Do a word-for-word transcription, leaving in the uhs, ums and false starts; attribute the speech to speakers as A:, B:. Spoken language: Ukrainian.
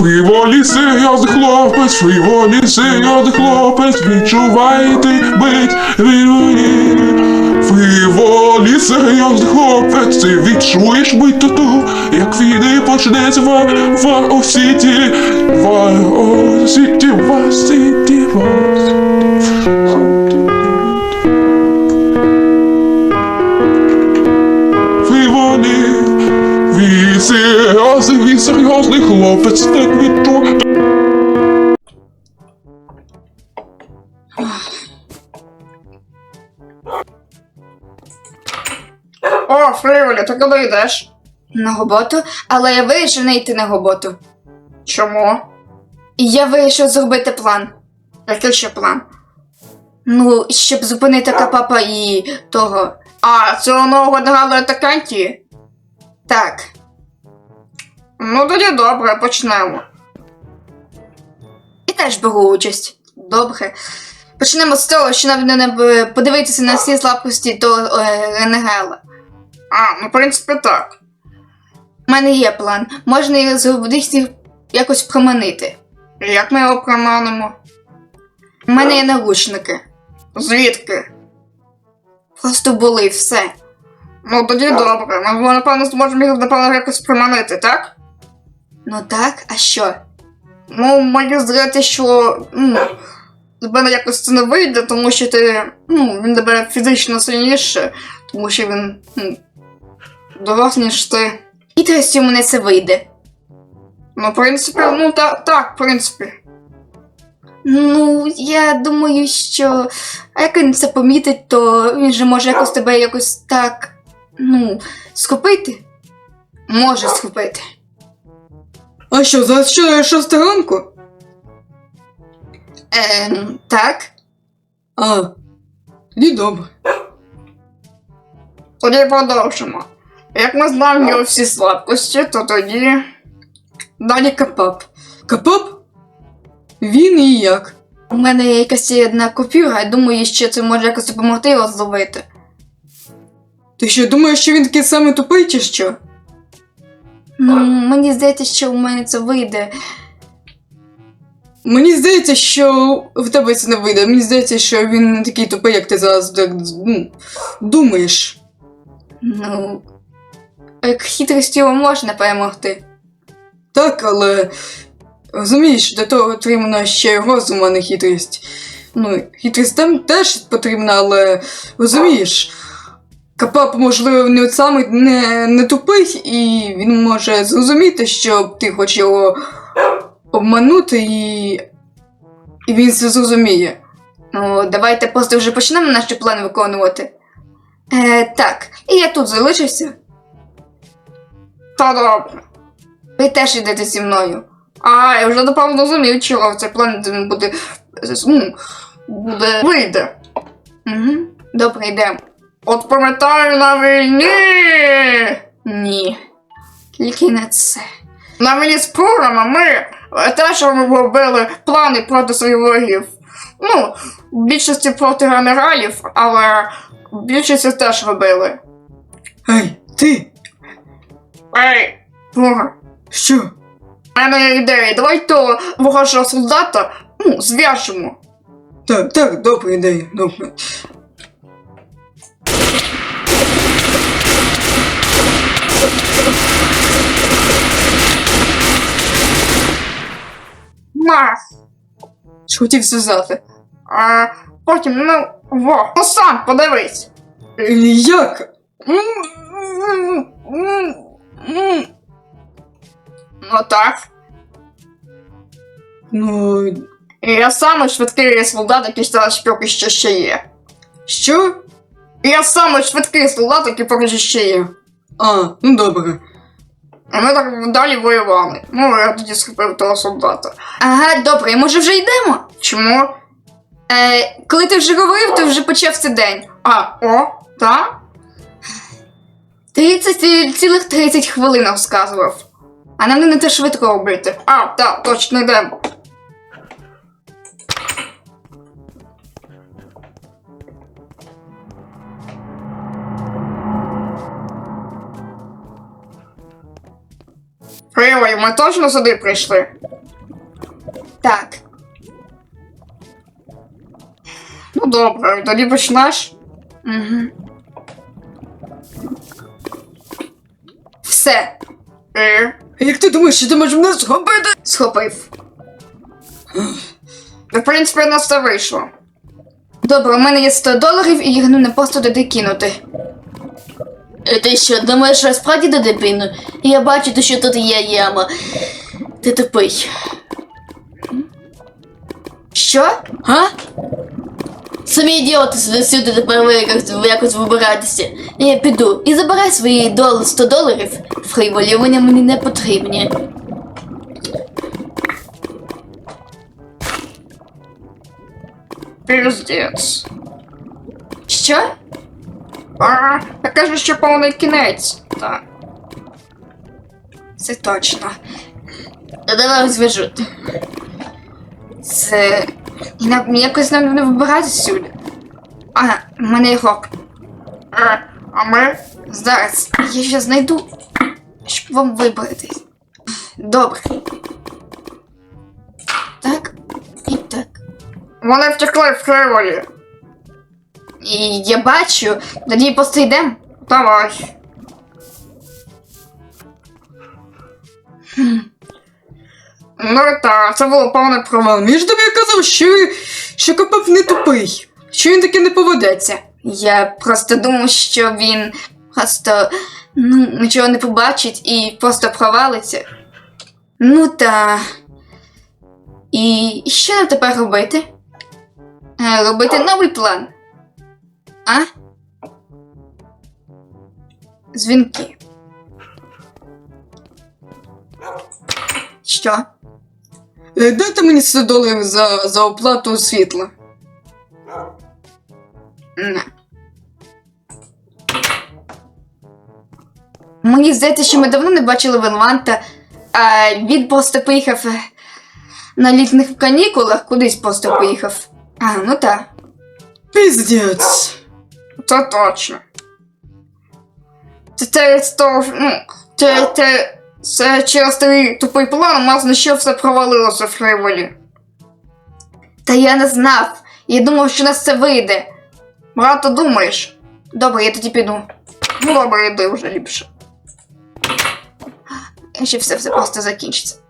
A: Фріволі серйозний хлопець, фріволі серйозний хлопець, відчувайте бить фріволі. Фріволі серйозний хлопець, ти відчуєш бить тату, як війни почнеться в Вар-О-Сіті, Вар-О-Сіті, Вар-Сіті, Вар-Сіті. Фріволі, він серйозний, він серйозний хлопець, так відчує.
B: О, Фріволі, ти куди йдеш?
C: На роботу, але я вирішив не йти на роботу.
B: Чому?
C: І я вирішив зробити план.
B: Який ще план?
C: Ну, щоб зупинити Капапа і того.
B: А, цього нового догадує атаканті?
C: Так.
B: Ну тоді добре, почнемо.
C: І теж беру участь. Добре. Почнемо з того, що нам не подивитися на всі слабкості того е, Ренегела.
B: А, ну в принципі так.
C: У мене є план. Можна їх зробити якось проманити.
B: Як ми його проманимо?
C: У мене є наручники.
B: Звідки?
C: Просто були, все.
B: Ну тоді добре, ми напевно зможемо їх напевно якось приманити, так?
C: Ну так, а що?
B: Ну, мені здається, що ну, з мене якось це не вийде, тому що ти, ну, він тебе фізично сильніше, тому що він, ну, дорослий, ніж ти.
C: І трясті у мене це вийде.
B: Ну, в принципі, ну, так, так, в принципі.
C: Ну, я думаю, що а як він це помітить, то він же може якось тебе якось так, ну, схопити. Може схопити.
D: А що, за що шоста ранку?
C: Ем, так.
D: А, тоді добре.
B: Тоді продовжимо. Як ми знаємо його всі слабкості, то тоді далі Капап.
D: Капап? Він і як?
C: У мене є якась є одна купюра, я думаю, що це може якось допомогти його зловити.
D: Ти що, думаєш, що він такий самий тупий, чи що?
C: Ну, мені здається, що у мене це вийде.
D: Мені здається, що в тебе це не вийде. Мені здається, що він не такий тупий, як ти зараз так, ну, думаєш.
C: Ну, як хитрістю його можна перемогти.
D: Так, але розумієш, для того потрібно ще й розум, а не хитрість. Ну, хитрість там теж потрібна, але розумієш, Капап, можливо, не от самий не, не тупий, і він може зрозуміти, що ти хочеш його обманути, і, і він це зрозуміє.
C: Ну, давайте просто вже почнемо наш план виконувати. Е, так, і я тут залишився.
B: Та добре.
C: Ви теж йдете зі мною.
B: А, я вже напевно зрозумів, чого цей план буде, ну, буде, вийде.
C: Угу. Добре, йдемо.
B: От пам'ятаю на війні!
C: Ні. Тільки не це.
B: На війні з Пурами ми теж робили плани проти своїх ворогів. Ну, в більшості проти генералів, але в більшості теж робили.
D: Ей, ти!
B: Ей, Пура,
D: Що?
B: в мене є ідея, давай того ворожого солдата, ну, зв'яжемо.
D: Так, так, добра ідея, добре.
B: На,
D: Що хотів зв'язати?
B: а потім, ну, во, ну сам подивись.
D: Е, Як?
B: Ну так.
D: Ну,
B: І я самий швидкий солдат, який зараз поки що ще є.
D: що?
B: І я самий швидкий солдат, який поки що ще є.
D: А, ну добре.
B: І ми так далі воювали. Ну, я тоді схопив того солдата.
C: Ага, добре, може вже йдемо?
B: Чому?
C: Е, коли ти вже говорив, то вже почався день.
B: А, о, та?
C: тридцять, цілих тридцять хвилин розказував. А нам не те швидко робити.
B: А, так, точно йдемо. Фріволі, ми точно сюди прийшли?
C: Так.
B: Ну добре, тоді почнеш.
C: Угу. Все,
B: І
D: Як ти думаєш, що ти можеш мене зробити?
C: схопив.
B: в принципі у нас це вийшло.
C: Добре, у мене є сто доларів і їх не просто туди кинути.
E: Е, Ти що, думаєш, що я справді туди пину? Я бачу, що тут є яма. Ти тупий.
C: Що?
E: Га? Самі ідіоти сюди сюди тепер ви якось, якось вибиратися. Я піду і забирай свої дол- сто доларів. Фрейволі, вони мені не потрібні.
B: Піздець.
C: Що?
B: А, я кажу, що повний кінець. Так.
C: Це точно.
E: Та давай зв'яжу.
C: Це. І нам якось нам не вибирати сюди. А, в мене є гроб.
B: Е, а ми?
C: Зараз я ще знайду, щоб вам вибратись. Добре. Так. І так.
B: Вони втекли в Фрейволі.
C: І я бачу, тоді просто йдемо.
B: Давай. Ну так, це було повне провал.
D: Мені ж тобі казав, що, що Капап не тупий. Що він таки не поведеться.
C: Я просто думав, що він просто ну, нічого не побачить і просто провалиться. Ну та. І що нам тепер робити? Е, робити новий план. А? Дзвінки. Що?
D: Е, Дайте мені сто доларів за, за оплату світла.
C: Не. Мені здається, що ми давно не бачили Венланта, а він просто поїхав е, на літніх канікулах, кудись просто поїхав. А, ну так.
D: Піздець.
B: Це точно. Це через то, ну, це, це, це через твій тупий план, власне, що все провалилося в Фрейволі.
C: Та я не знав. Я думав, що у нас це вийде.
B: Багато думаєш?
C: Добре, я тоді піду.
B: Ну добре, йди вже ліпше.
C: Ще все, все просто закінчиться.